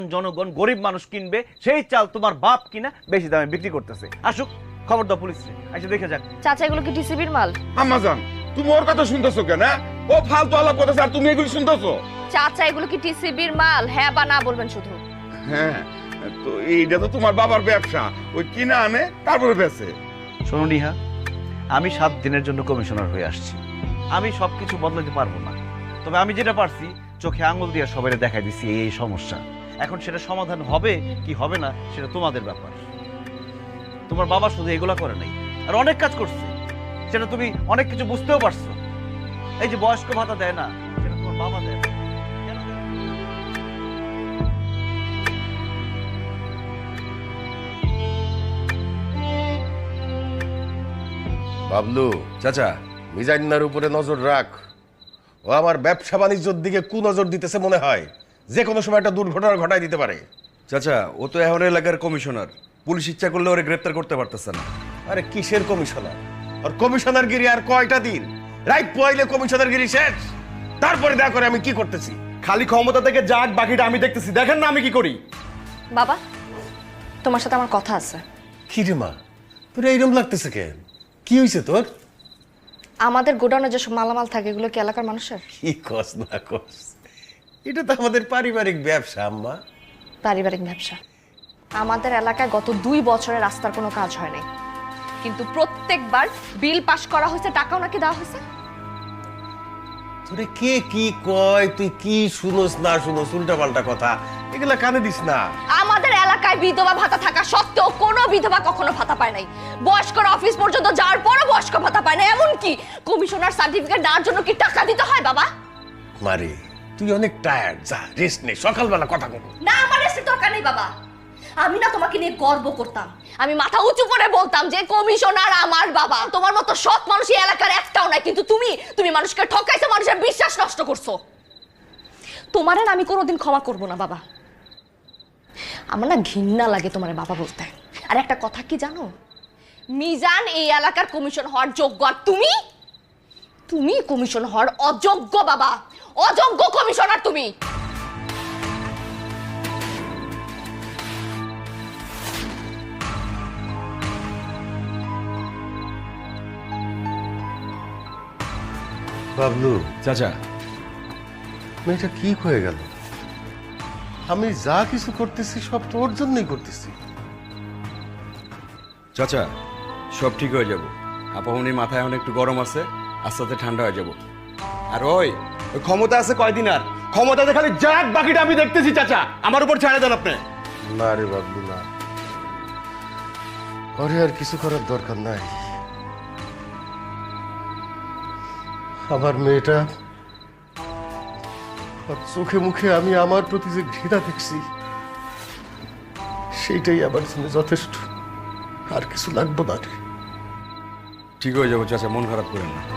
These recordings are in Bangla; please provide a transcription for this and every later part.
জনগণ গরিব মানুষ কিনবে সেই চাল তোমার বাপ কিনা বেশি দামে বিক্রি করতেছে। আসুক, খবর দাও পুলিশে, এসে দেখে যাক। চাচা এগুলো কি টিসিবির মাল? আম্মাজান তুমি ওর কথা শুনতেছো কেন? ও ফালতু আলাপ করতেছে আর তুমি এগুলো শুনতেছো? চাচা এগুলো কি টিসিবির মাল? হ্যাঁ বা না বলবেন শুধু। হ্যাঁ, তো এইটা তো তোমার বাবার ব্যবসা, ওই কিনা আনে তারপরে বেচে। শোনো নিহা, আমি 7 দিনের জন্য কমিশনার হয়ে আসছি। আমি সবকিছু বদলাতে পারবো না, তবে আমি যেটা পারছি চোখে আঙুল দিয়ে সবাই দেখাই দিচ্ছি এই সমস্যা। এখন সেটা সমাধান হবে কি হবে না সেটা তোমাদের ব্যাপার। তোমার বাবা শুধু এগুলা করে নাই, আর অনেক কাজ করছে, সেটা তুমি অনেক কিছু বুঝতেও পারছো। এই যে বয়স্ক ভাতা দেয় না, সেটা তোমার বাবা দেয় না। কেন দেয় না? বাবলু চাচা, মিজান্নার উপরে নজর রাখ। ও আমার ব্যবসা বাণিজ্যের দিকে নজর দিতেছে মনে হয়, যে কোনো সময় একটা দুর্ঘটনা ঘটায় দিতে পারে। চাচা ও তো এখন এলাকার কমিশনার, পুলিশ ইচ্ছা করলে ওরে গ্রেফতার করতে পারতেছে না। আরে কিসের কমিশনার? আর কমিশনার গিরি আর কয়টা দিন? রাইট পয়লে কমিশনার গিরি শেষ, তারপরে দেখা করে আমি কি করতেছি। খালি ক্ষমতা থেকে যাক, বাকিটা আমি দেখতেছি। দেখেন না আমি কি করি। বাবা, তোমার সাথে আমার কথা আছে। কি রে মা, তোর এইরকম লাগতেছে কেন? কি হয়েছে তোর? আমাদের গোডাউনে যেসব মালামাল থাকে এগুলো কি এলাকার মানুষের? কি কস না কস, এটা তো আমাদের পারিবারিক ব্যবসা আম্মা। পারিবারিক ব্যবসা। আমাদের এলাকায় গত 2 বছরে রাস্তার কোনো কাজ হয় নাই, কিন্তু প্রত্যেকবার বিল পাস করা হয়েছে, টাকাও নাকি দেওয়া হয়েছে। তোরে কে কি কয়, তুই কি শুনোস না শুনোস উল্টা পাল্টা কথা, এগুলা কানে দিস না। আমাদের এলাকায় বিধবা ভাতা থাকা সত্ত্বেও কোনো বিধবা কখনো ভাতা পায় নাই। বয়স্কর অফিস পর্যন্ত যাওয়ার পরও বয়স্ক ভাতা পায় না। এমনকি কমিশনার সার্টিফিকেট দেওয়ার জন্য কি টাকা দিতে হয় বাবা? মারে তুই অনেক টায়ার্ড, যা রেস্ট নে, সকালবেলা কথা বল। না, আমার রেস্টের দরকার নেই বাবা। আমি না তোমাকে নিয়ে গর্ব করতাম, আমি মাথা উঁচু করে বলতাম যে কমিশনার আমার বাবা। তোমার মতো সৎ মানুষ এই এলাকার একটাও নাই, কিন্তু তুমি মানুষকে ঠকাইছো, মানুষের বিশ্বাস নষ্ট করছো। তোমারে না আমি কোনোদিন ক্ষমা করব না বাবা। আমার না ঘৃণা লাগে তোমার বাবা বলতে। আর একটা কথা কি জানো, মিজান এই এলাকার কমিশন হওয়ার যোগ্য, আর তুমি কমিশন হওয়ার অযোগ্য বাবা। অযোগ্য কমিশনার তুমি। বাবলু চাচা, মেয়েটা কি হয়ে গেল? আমি যা কিছু করতেছি সব তোর জন্যই করতেছি। চাচা সব ঠিক হয়ে যাব। আপামনির মাথায় এখন একটু গরম আছে, আস্তে আস্তে ঠান্ডা হয়ে যাব। আর ওই ক্ষমতা আছে কয়দিন, আর ক্ষমতাতে খালি যাক, বাকিটা আমি দেখতেছি। চাচা আমার উপর ছেড়ে দেন আপনি। না রে বাবলু না, ওরে আর কিছু করার দরকার নাই। আমার মেয়েটা আর চোখে মুখে আমি আমার প্রতি যে ঘৃণা দেখছি সেইটাই আমার জন্য যথেষ্ট, আর কিছু লাগবে না রে। ঠিক হয়ে যাবো চাচা, মন খারাপ করেন না।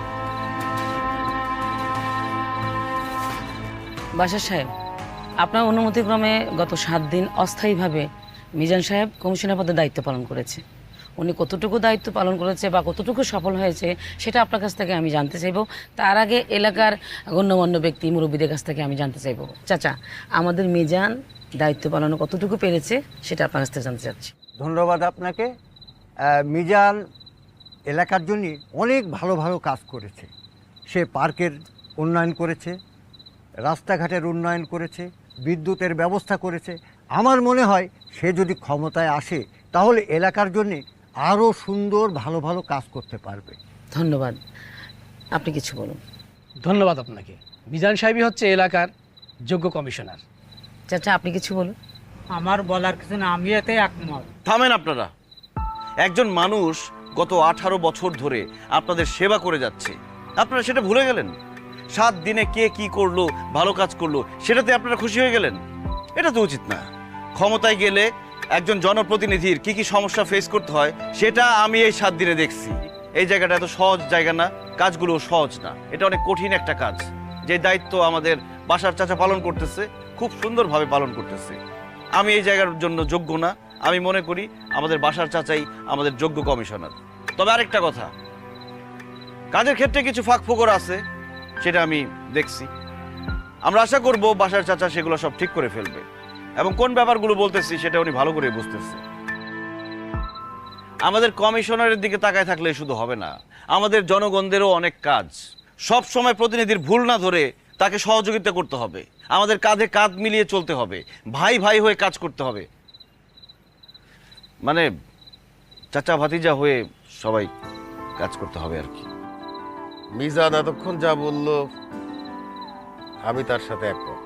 বাসার সাহেব, আপনার অনুমতিক্রমে গত 7 দিন অস্থায়ীভাবে মিজান সাহেব কমিশনার পদে দায়িত্ব পালন করেছে। উনি কতটুকু দায়িত্ব পালন করেছে বা কতটুকু সফল হয়েছে সেটা আপনার কাছ থেকে আমি জানতে চাইব। তার আগে এলাকার গণ্যমান্য ব্যক্তি মুরব্বীদের কাছ থেকে আমি জানতে চাইব, চাচা আমাদের মিজান দায়িত্ব পালনে কতটুকু পেরেছে সেটা আপনার কাছ থেকে জানতে চাচ্ছি। ধন্যবাদ আপনাকে। মিজান এলাকার জন্য অনেক ভালো ভালো কাজ করেছে। সে পার্কের উন্নয়ন করেছে, রাস্তাঘাটের উন্নয়ন করেছে, বিদ্যুতের ব্যবস্থা করেছে। আমার মনে হয় সে যদি ক্ষমতায় আসে তাহলে এলাকার জন্যে আরও সুন্দর ভালো ভালো কাজ করতে পারবে। ধন্যবাদ। আপনি কিছু বলুন। ধন্যবাদ আপনাকে। মিজান সাহেবই হচ্ছে এলাকার যোগ্য কমিশনার। চাচা আপনি কিছু বলুন। আমার বলার কিছু না, আমি এতে একমত। থামেন আপনারা। একজন মানুষ গত 18 বছর ধরে আপনাদের সেবা করে যাচ্ছে, আপনারা সেটা ভুলে গেলেন? 7 দিনে কে কি করলো, ভালো কাজ করলো, সেটাতে আপনারা খুশি হয়ে গেলেন? এটা তো উচিত না। ক্ষমতায় গেলে একজন জনপ্রতিনিধির কি কি সমস্যা ফেস করতে হয় সেটা আমি এই 7 দিনে দেখছি। এই জায়গাটা এত সহজ জায়গা না, কাজগুলো সহজ না, এটা অনেক কঠিন একটা কাজ। যে দায়িত্ব আমাদের বাসার চাচা পালন করতেছে, খুব সুন্দরভাবে পালন করতেছে। আমি এই জায়গার জন্য যোগ্য না, আমি মনে করি আমাদের বাসার চাচাই আমাদের যোগ্য কমিশনার। তবে আরেকটা কথা, কাজের ক্ষেত্রে কিছু ফাঁক ফোকর আছে, সেটা আমি দেখছি। আমরা আশা করব বাসার চাচা সেগুলো সব ঠিক করে ফেলবে। এবং কোন ব্যাপারগুলো বলতেছি সেটা উনি ভালো করে বুঝতেছে। আমাদের কমিশনারের দিকে তাকায় থাকলে শুধু হবে না, আমাদের জনগণদেরও অনেক কাজ। সব সময় প্রতিনিধির ভুল না ধরে তাকে সহযোগিতা করতে হবে, আমাদের কাঁধে কাঁধ মিলিয়ে চলতে হবে, ভাই ভাই হয়ে কাজ করতে হবে, মানে চাচা ভাতিজা হয়ে সবাই কাজ করতে হবে আর কি। মিজান এতক্ষণ যা বলল আমি তার সাথে একমত।